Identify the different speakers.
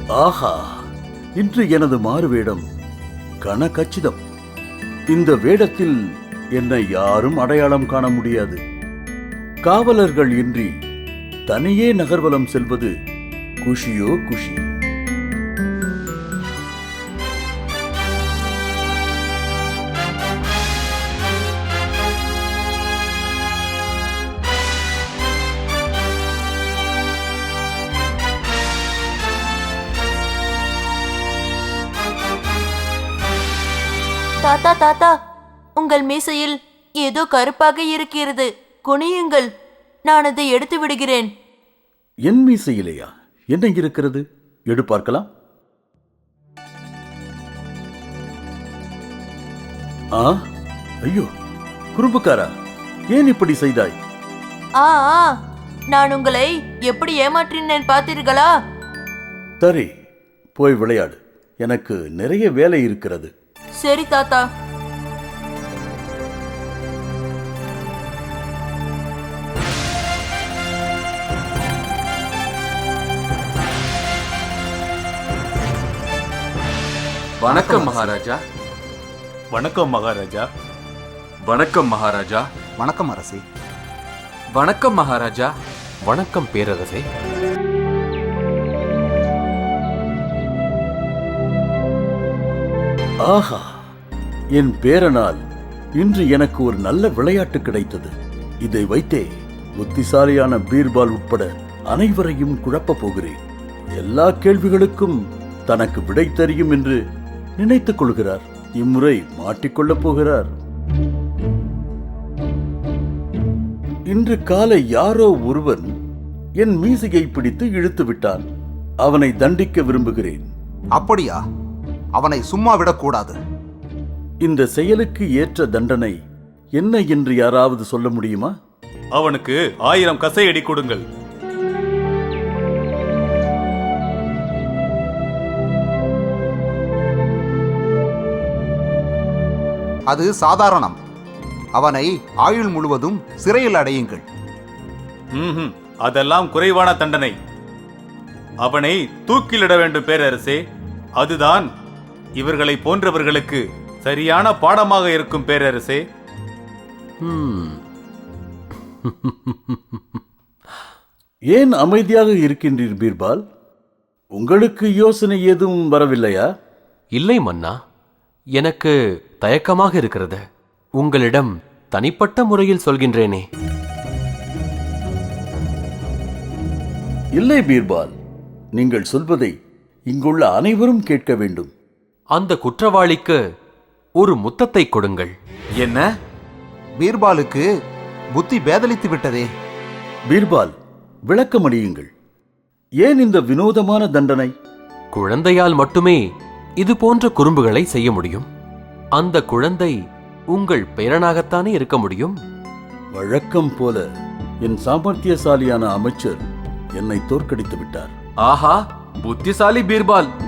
Speaker 1: ஆஹா, இன்று எனது மாறுவேடம் கனகச்சிதம். இந்த வேடத்தில் என்னை யாரும் அடையாளம் காண முடியாது. காவலர்கள் இன்றி தனியே நகர்வலம் செல்வது குஷியோ குஷி.
Speaker 2: தாத்தா தாத்தா, உங்கள் மீசையில் ஏதோ கருப்பாக இருக்கிறது. குனியுங்கள், நான் அதை எடுத்து விடுகிறேன்.
Speaker 1: என் மீசையிலேயா என்ன இருக்கிறது? எடு பார்க்கலாம். ஆ, ஐயோ, குறும்புக்காரா, ஏன் இப்படி செய்தாய்?
Speaker 2: ஆ, நான் உங்களை எப்படி ஏமாற்றினேன் பார்த்தீர்களா?
Speaker 1: சரி, போய் விளையாடு. எனக்கு நிறைய வேலை இருக்கிறது.
Speaker 2: சரி தாத்தா.
Speaker 3: வணக்கம் மகாராஜா.
Speaker 4: வணக்கம் மகாராஜா.
Speaker 3: வணக்கம் மகாராஜா.
Speaker 5: வணக்கம் அரசே.
Speaker 3: வணக்கம் மகாராஜா.
Speaker 6: வணக்கம் பேரரசே.
Speaker 1: ஆஹா, என் பேரனால் இன்று எனக்கு ஒரு நல்ல விளையாட்டு கிடைத்தது. இதை வைத்தே புத்திசாலியான பீர்பால் உட்பட அனைவரையும் குழப்பப் போகிறேன். எல்லா கேள்விகளுக்கும் தனக்கு விடை தெரியும் என்று நினைத்துக் கொள்கிறார். இம்முறை மாட்டிக்கொள்ளப் போகிறார். இன்று காலை யாரோ ஒருவன் என் மீசையை பிடித்து இழுத்து விட்டான். அவனை தண்டிக்க விரும்புகிறேன்.
Speaker 5: அப்படியா? அவனை சும்மா விடக்கூடாது.
Speaker 1: இந்த செயலுக்கு ஏற்ற தண்டனை என்ன என்று யாராவது சொல்ல முடியுமா?
Speaker 4: அவனுக்கு 1000 கசையடி கொடுங்கள்.
Speaker 5: அது சாதாரணம். அவனை ஆயுள் முழுவதும் சிறையில் அடையுங்கள்.
Speaker 4: அதெல்லாம் குறைவான தண்டனை. அவனை தூக்கிலிட வேண்டும் பேரரசே. அதுதான் இவர்களை போன்றவர்களுக்கு சரியான பாடமாக இருக்கும் பேரரசே.
Speaker 1: ஏன் அமைதியாக இருக்கின்றீர் பீர்பால்? உங்களுக்கு யோசனை எதுவும் வரவில்லையா?
Speaker 6: இல்லை மன்னா, எனக்கு தயக்கமாக இருக்கிறது. உங்களிடம் தனிப்பட்ட முறையில் சொல்கின்றேனே.
Speaker 1: இல்லை பீர்பால், நீங்கள் சொல்வதை இங்குள்ள அனைவரும் கேட்க வேண்டும்.
Speaker 6: அந்த குற்றவாளிக்கு ஒரு முத்தத்தை கொடுங்கள்.
Speaker 3: என்ன?
Speaker 5: பீர்பாலுக்கு புத்தி பேதலித்து விட்டதே.
Speaker 1: பீர்பால், விளக்கமளியுங்கள். ஏன் இந்த வினோதமான தண்டனை?
Speaker 6: குழந்தையால் மட்டுமே இது போன்ற குறும்புகளை செய்ய முடியும். அந்த குழந்தை உங்கள் பேரனாகத்தானே இருக்க முடியும்.
Speaker 1: வழக்கம் போல என் சாமர்த்தியசாலியான அமைச்சர் என்னை தோற்கடித்து விட்டார்.
Speaker 3: ஆஹா, புத்திசாலி பீர்பால்.